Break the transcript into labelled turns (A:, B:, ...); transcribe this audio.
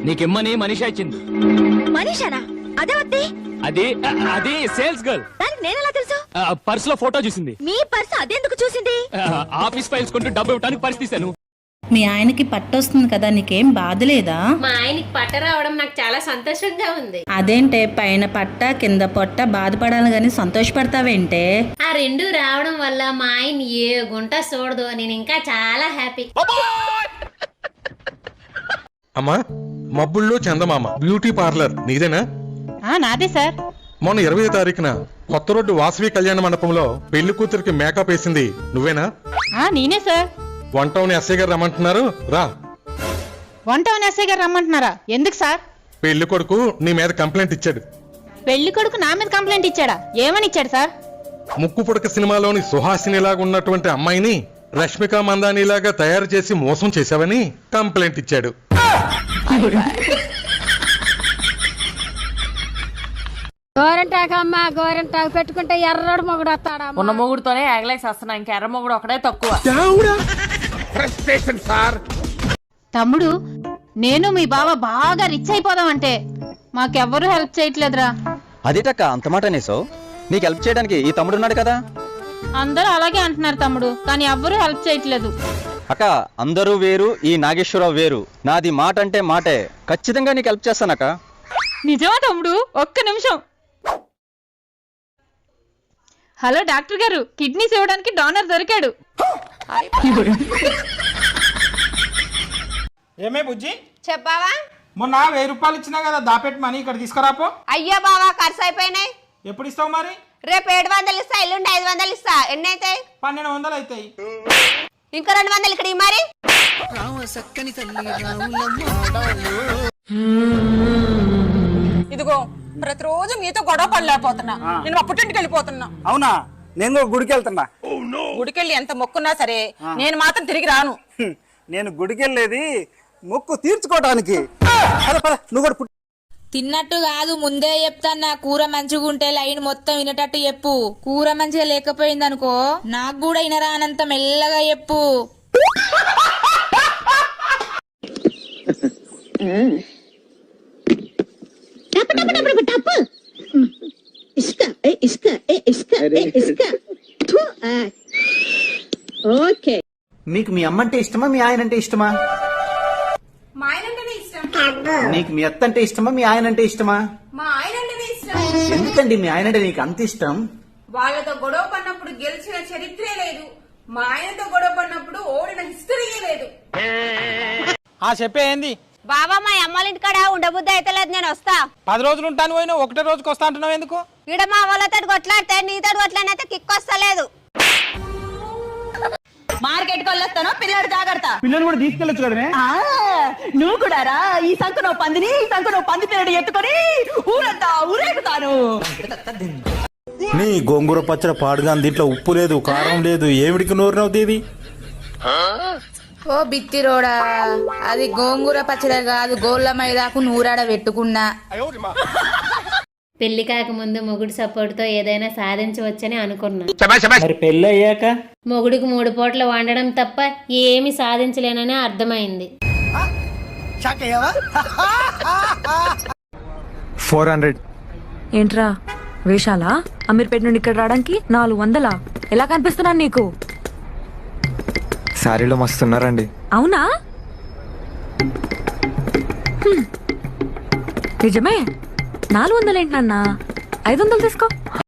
A: నీకిమ్మని మనిషి ఇచ్చింది.
B: మనీషానా? అదే వద్దే.
A: అది సేల్స్ గర్ల్.
B: దానికి నేనెలా తెలుసు?
A: పర్స్ లో ఫోటో చూసింది.
B: మీ పర్స్ అదెందుకు చూసింది?
A: ఆఫీస్ ఫైల్స్ కొంటూ డబ్బు ఇవ్వడానికి పర్స్ తీశాను.
C: మీ ఆయనకి పట్టొస్తుంది కదా, నీకేం బాధ లేదా?
D: మా ఆయనకి పట్ట రావడం నాకు చాలా సంతోషంగా ఉంది.
C: అదేంటే పైన పట్ట కింద పొట్ట బాధపడాలి గాని సంతోషపడతావేంటే?
D: ఆ రెండు రావడం వల్ల మా ఆయన ఏ గుంట చూడదు. నేను ఇంకా చాలా హ్యాపీ.
E: అమ్మా, మబ్బుల్లో చందమామ బ్యూటీ పార్లర్ నీదేనా?
C: నాదే సార్.
E: మొన్న 20వ తారీఖున కొత్త రోడ్డు వాసవి కళ్యాణ మండపంలో పెళ్లి కూతురికి మేకప్ వేసింది నువ్వేనా?
C: నేనే సార్.
E: వన్ టౌన్ ఎస్ఐ గారు రమ్మంటున్నారు, రా.
C: వన్ టౌన్ ఎస్ఐ గారు రమ్మంటున్నారా? ఎందుకు సార్?
E: పెళ్లి కొడుకు నీ మీద కంప్లైంట్ ఇచ్చాడు.
C: పెళ్లి కొడుకు నా మీద కంప్లైంట్ ఇచ్చాడా? ఏమని ఇచ్చాడు సార్?
E: ముక్కు పుడక సినిమాలోని సుహాసినిలాగా ఉన్నటువంటి అమ్మాయిని రష్మిక మందానిలాగా తయారు చేసి మోసం చేశావని కంప్లైంట్ ఇచ్చాడు.
F: గోరంటాకమ్మా, గోరంటాకు పెట్టుకుంటే ఎర్రడు మొగుడు వస్తాడా?
G: ఉన్న మొగుడుతోనే ఎగలేసి వస్తున్నా, ఇంకా ఎర్ర మొగుడు ఒకటే తక్కువ.
C: తమ్ముడు, నేను మీ బావ బాగా రిచ్ అయిపోదాం అంటే మాకెవ్వరూ హెల్ప్ చేయట్లేదురా.
H: అదేటక్క అంత మాట అనేసో? నీకు హెల్ప్ చేయడానికి ఈ తమ్ముడు ఉన్నాడు కదా.
C: అందరూ అలాగే అంటున్నారు తమ్ముడు, కానీ ఎవ్వరూ హెల్ప్ చేయట్లేదు.
H: అక్క, అందరూ వేరు, ఈ నాగేశ్వరరావు వేరు. నాది మాట అంటే మాటే. ఖచ్చితంగా నీకు హెల్ప్ చేస్తానక్క.
C: నిజమా తమ్ముడు? ఒక్క నిమిషం. హలో డాక్టర్ గారు, కిడ్నీస్ ఇవ్వడానికి డోనర్ దొరికాడు.
I: ఏమే బుజ్జి,
F: చెప్పావా?
I: మొన్న 1000 రూపాయలు ఇచ్చినా కదా, దాపెట్టి మనీ ఇక్కడ తీసుకురాపో.
F: అయ్యో బావా, ఖర్చు అయిపోయినాయి.
I: ఎప్పుడు ఇస్తావు మరి?
F: రేపు 700 ఇస్తా, ఎల్లుండి 500 ఇస్తా. ఎన్ని అవుతాయి?
I: 1200 అవుతాయి.
F: ఇంకా 200 ఇక్కడ మరి.
G: ఇదిగో ప్రతిరోజు మీతో గొడవ పడలేకపోతున్నా. నేను మా పుట్టింటికి వెళ్ళిపోతున్నా.
J: అవునా? నేను గుడికి వెళ్తున్నా.
G: గుడికెళ్ళి ఎంత మొక్కున్నా సరే నేను మాత్రం తిరిగి రాను.
J: నేను గుడికి వెళ్ళేది మొక్కు తీర్చుకోవడానికి. నువ్వు కూడా
G: తిన్నట్టు కాదు, ముందే చెప్తాన్నా. కూర మంచిగా ఉంటే లైన్ మొత్తం వినేటట్టు చెప్పు. కూర మంచిగా లేకపోయింది అనుకో, నాకు కూడా వినరానంత మెల్లగా చెప్పు.
J: మీకు మీ అమ్మంటే ఇష్టమా, మీ ఆయన అంటే ఇష్టమా?
F: మా ఆయనంటేనే ఇష్టం.
J: నీకు మీ అత్త అంటే ఇష్టమా, మీ ఆయన అంటే ఇష్టమా?
F: మా ఆయనంటేనే ఇష్టం.
J: ఎందుకండి మీ ఆయన అంటే నీకు అంత ఇష్టం?
F: వాళ్ళతో గొడవ పడినప్పుడు గెలిచిన చరిత్రే లేదు. మా ఆయనతో గొడవ పడినప్పుడు ఓడిన హిస్టరీయే లేదు.
I: చెప్పే ఏంది?
F: బాబా, మా అమ్మాళ్ళ ఇంటికాడ ఉండబుద్ధి అయితే లేదు, నేను వస్తా.
I: 10 రోజులు ఉంటాను పోయినా, ఒకటే రోజుకి వస్తా అంటున్నావు ఎందుకు?
F: ఈడ మా వాళ్ళతో కొట్లాడితే నీతో కొట్లాడినైతే కిక్ వస్తలేదు.
G: మార్కెట్ కి వెళ్ళొస్తాను, పిల్లడు జాగ్రత్త.
J: పిల్లలు కూడా తీసుకెళ్ళొచ్చు కదనే.
G: నువ్వు కూడా రా. ఈ సంఖ నువ్వు పందిని, ఈ సంఖ నువ్వు పంది పిల్లడు ఎత్తుకొని ఊరంతా ఊరేగుతాను.
K: నీ గోంగూర పచ్చడి పాడుగా, దీంట్లో ఉప్పు లేదు, కారం లేదు, ఏమిడికి నోరు నవ్వుతీది?
G: ఓ బిత్తిరోడా, అది గోంగూర పచ్చడి కాదు, గోళ్ళ మైదాకు నూరాడ పెట్టుకున్నా.
D: పెళ్లి కాకముందు మొగుడు సపోర్ట్ తో ఏదైనా సాధించవచ్చని అనుకున్నా.
J: మరి పెళ్ళి అయ్యాక
D: మొగుడికి 3 పూటలు వండడం తప్ప ఏమి సాధించలేనని అర్థమైంది.
K: 400.
G: ఏంట్రా వేషాలా? అమీర్పేట నుండి ఇక్కడ రావడానికి 400? ఎలా కనిపిస్తున్నాను నీకు?
K: శారీలో మస్తున్నారండి.
G: అవునా? నిజమే. 400 ఏంటన్నా? 500 తీసుకో.